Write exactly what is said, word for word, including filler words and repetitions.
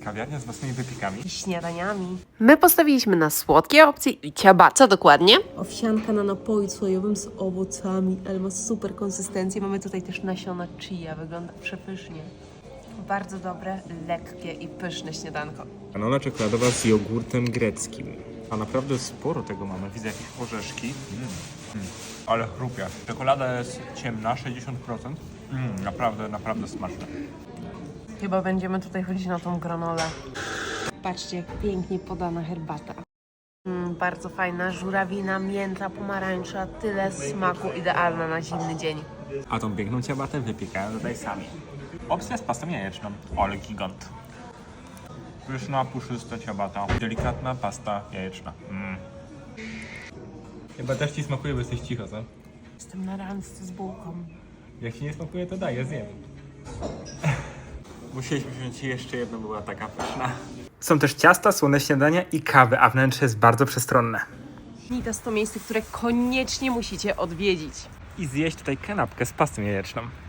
kawiarnia z własnymi wypiekami. I śniadaniami. My postawiliśmy na słodkie opcje i ciaba. Co dokładnie? Owsianka na napoju słojowym z owocami, ale ma super konsystencję. Mamy tutaj też nasiona chia, wygląda przepysznie. Bardzo dobre, lekkie i pyszne śniadanko. Granola czekoladowa z jogurtem greckim. A naprawdę sporo tego mamy. Widzę jakieś orzeszki. Mm. Mm. Ale chrupie. Czekolada jest ciemna, sześćdziesiąt procent. Mm, naprawdę, naprawdę smaczne. Chyba będziemy tutaj chodzić na tą granolę. Patrzcie, jak pięknie podana herbata. Mm, bardzo fajna, żurawina, mięta, pomarańcza, tyle smaku, idealna na zimny dzień. A tą piękną ciabatę wypiekają tutaj sami. Opcja z pastą jajeczną. Ale gigant. Pyszna, puszysta ciabata. Delikatna pasta jajeczna. Mm. Chyba też ci smakuje, bo jesteś cicho, co? Jestem na randce z bułką. Jak ci nie smakuje, to daj, ja zjem. Musieliśmy wziąć jeszcze jedną, była taka pyszna. Są też ciasta, słone śniadania i kawy, a wnętrze jest bardzo przestronne. Nitas to miejsce, które koniecznie musicie odwiedzić. I zjeść tutaj kanapkę z pastą jajeczną.